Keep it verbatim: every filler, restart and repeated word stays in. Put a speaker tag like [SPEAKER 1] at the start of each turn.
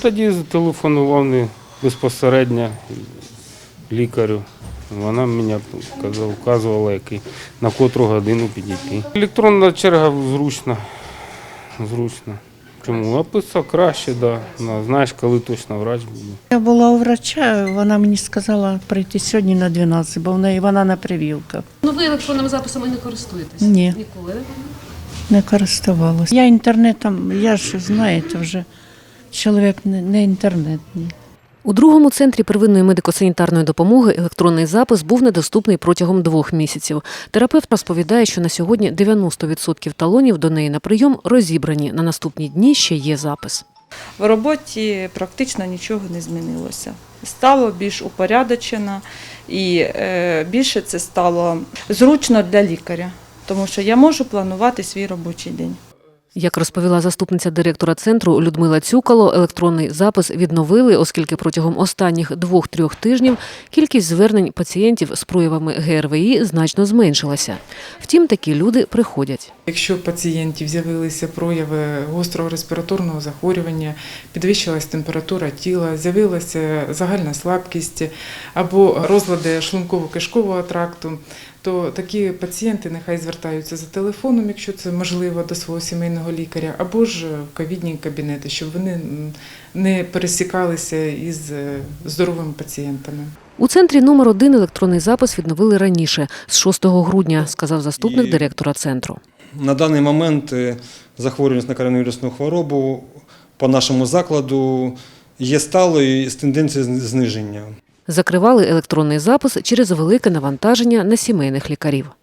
[SPEAKER 1] тоді зателефонував не безпосередньо лікарю. Вона мені казала, вказувала, який, на котру годину підійти. Електронна черга зручна. Зручно. Чому? Описав краще, да. Знаєш, коли точно врач буде.
[SPEAKER 2] Я була у врача, вона мені сказала прийти сьогодні на дванадцять, бо в неї вона на прививках.
[SPEAKER 3] Ну ви електронними записами не користуєтесь?
[SPEAKER 2] Ні.
[SPEAKER 3] Ніколи?
[SPEAKER 2] Не користувалася. Я інтернетом, я ж, знаєте, вже чоловік не, не інтернетний.
[SPEAKER 3] У другому центрі первинної медико-санітарної допомоги електронний запис був недоступний протягом двох місяців. Терапевт розповідає, що на сьогодні дев'яносто відсотків талонів до неї на прийом розібрані. На наступні дні ще є запис.
[SPEAKER 4] В роботі практично нічого не змінилося. Стало більш упорядочено і е, більше це стало зручно для лікаря, тому що я можу планувати свій робочий день.
[SPEAKER 3] Як розповіла заступниця директора центру Людмила Цюкало, електронний запис відновили, оскільки протягом останніх двох-трьох тижнів кількість звернень пацієнтів з проявами ге ер ве і значно зменшилася. Втім, такі люди приходять.
[SPEAKER 5] Якщо у пацієнтів з'явилися прояви гострого респіраторного захворювання, підвищилась температура тіла, з'явилася загальна слабкість або розлади шлунково-кишкового тракту, то такі пацієнти нехай звертаються за телефоном, якщо це можливо, до свого сімейного лікаря, або ж в ковідні кабінети, щоб вони не пересікалися із здоровими пацієнтами.
[SPEAKER 3] У центрі номер один електронний запис відновили раніше, з шостого грудня, сказав заступник директора центру.
[SPEAKER 6] На даний момент захворюваність на коронавірусну хворобу по нашому закладу є сталою з тенденцією зниження.
[SPEAKER 3] Закривали електронний запис через велике навантаження на сімейних лікарів.